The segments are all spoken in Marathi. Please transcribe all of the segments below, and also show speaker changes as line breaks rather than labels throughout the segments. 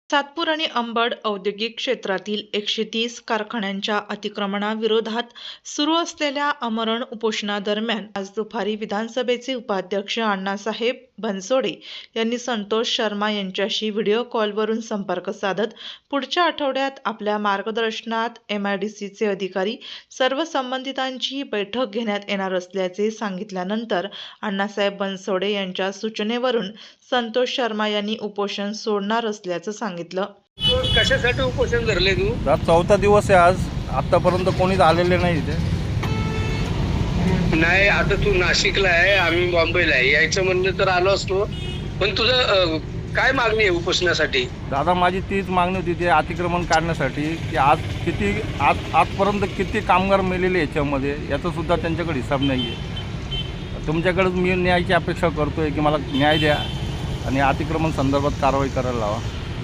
सातपूर आणि अंबड औद्योगिक क्षेत्रातील 130 कारखान्यांच्या अतिक्रमणाविरोधात सुरू असलेल्या आमरण उपोषणादरम्यान आज दुपारी विधानसभेचे उपाध्यक्ष अण्णासाहेब बनसोडे यांनी संतोष शर्मा यांच्याशी व्हिडिओ कॉलवरून संपर्क साधत पुढच्या आठवड्यात आपल्या मार्गदर्शनात MIDCचे अधिकारी सर्व संबंधितांची बैठक घेण्यात येणार असल्याचे सांगितल्यानंतर अण्णासाहेब बनसोडे यांच्या सूचनेवरून संतोष शर्मा यांनी उपोषण सोडणार असल्याचं सांगितलं।
कशासाठी उपोषण धरले तू?
आज चौथा दिवस आहे। आज आतापर्यंत कोणीच आलेले नाही इथे।
नाही, आता तू नाशिकला आहे, आम्ही बॉम्बेला आहे, यायचं म्हणलं तर आलो असतो, पण तुझं काय मागणी आहे उपोषणासाठी?
दादा, माझी तीच मागणी होती ते अतिक्रमण काढण्यासाठी की आजपर्यंत किती कामगार मेलेले याच्यामध्ये, याचा सुद्धा त्यांच्याकडे हिसाब नाही आहे। तुमच्याकडे मी न्यायाची अपेक्षा करतोय की मला न्याय द्या आणि अतिक्रमण संदर्भात कारवाई करायला लावा।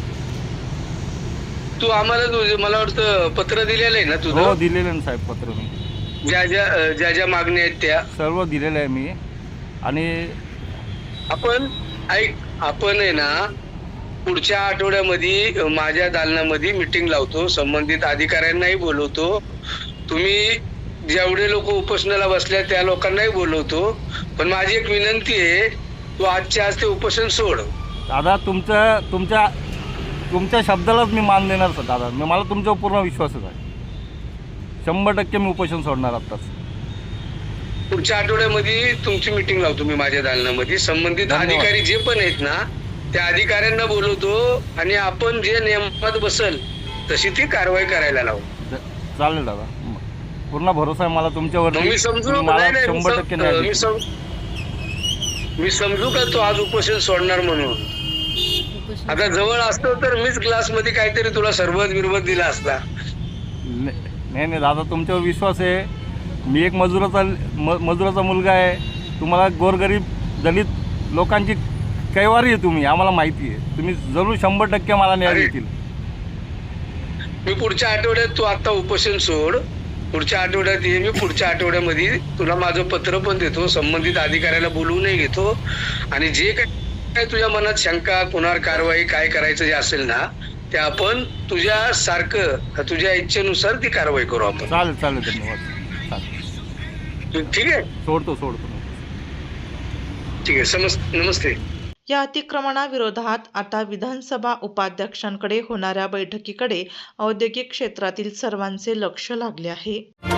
तू आम्हाला मला वाटतं पत्र दिलेलं आहे ना तुझं?
हो, दिलेलं आहे साहेब पत्र। मी
ज्या ज्या मागण्या आहेत त्या
सर्व दिलेलं आहे मी। आणि
आपण आहे ना, पुढच्या आठवड्यामध्ये माझ्या दालनामध्ये मीटिंग लावतो, संबंधित अधिकाऱ्यांनाही बोलवतो, तुम्ही जेवढे लोक उपोषणाला बसल्या त्या लोकांनाही बोलवतो, पण माझी एक विनंती आहे, तू आजच्या आज ते उपोषण सोड।
दादा, तुमच्या शब्दालाच मी मान देणार सर दादा। मला तुमच्यावर पूर्ण विश्वासच आहे। 100% मी उपोषण सोडणार आत्ताच।
पुढच्या आठवड्यामध्ये तुमची मीटिंग लावतो मी माझ्या दालनामध्ये, संबंधित अधिकारी जे पण आहेत ना त्या अधिकाऱ्यांना बोलवतो आणि आपण जे नियमात बसल तशी ती कारवाई करायला लावू।
चालेल दादा, पूर्ण भरोसा आहे मला तुमच्यावर।
मी समजू मी समजू का तू आज उपोषण सोडणार म्हणून? आता जवळ असतो तर मीच क्लासमध्ये काहीतरी तुला सरबत बिरबत दिला असता।
नाही दादा, तुमच्यावर विश्वास आहे। मी एक मजुराचा मुलगा आहे। तुम्हाला गोरगरीब दलित लोकांची कैवारी आहे तुम्ही, आम्हाला माहिती आहे। तुम्ही जरूर 100% मला न्याय देतील।
मी पुढच्या आठवड्यात, तू आता उपोषण सोड, पुढच्या आठवड्यात ये, मी पुढच्या आठवड्यामध्ये तुला माझं पत्र पण देतो, संबंधित अधिकाऱ्याला बोलवूनही घेतो, आणि जे काय तुझ्या मनात शंका, कुणावर कारवाई काय करायचं जे असेल ना ते आपण तुझ्या इच्छेनुसार ती कारवाई करू आपण।
चालेल धन्यवाद।
ठीक आहे,
सोडतो।
ठीक आहे, नमस्ते।
या अतिक्रमणाविरोधात आता विधानसभा उपाध्यक्षांकडे होणाऱ्या बैठकीकडे औद्योगिक क्षेत्रातील सर्वांचे लक्ष लागले आहे।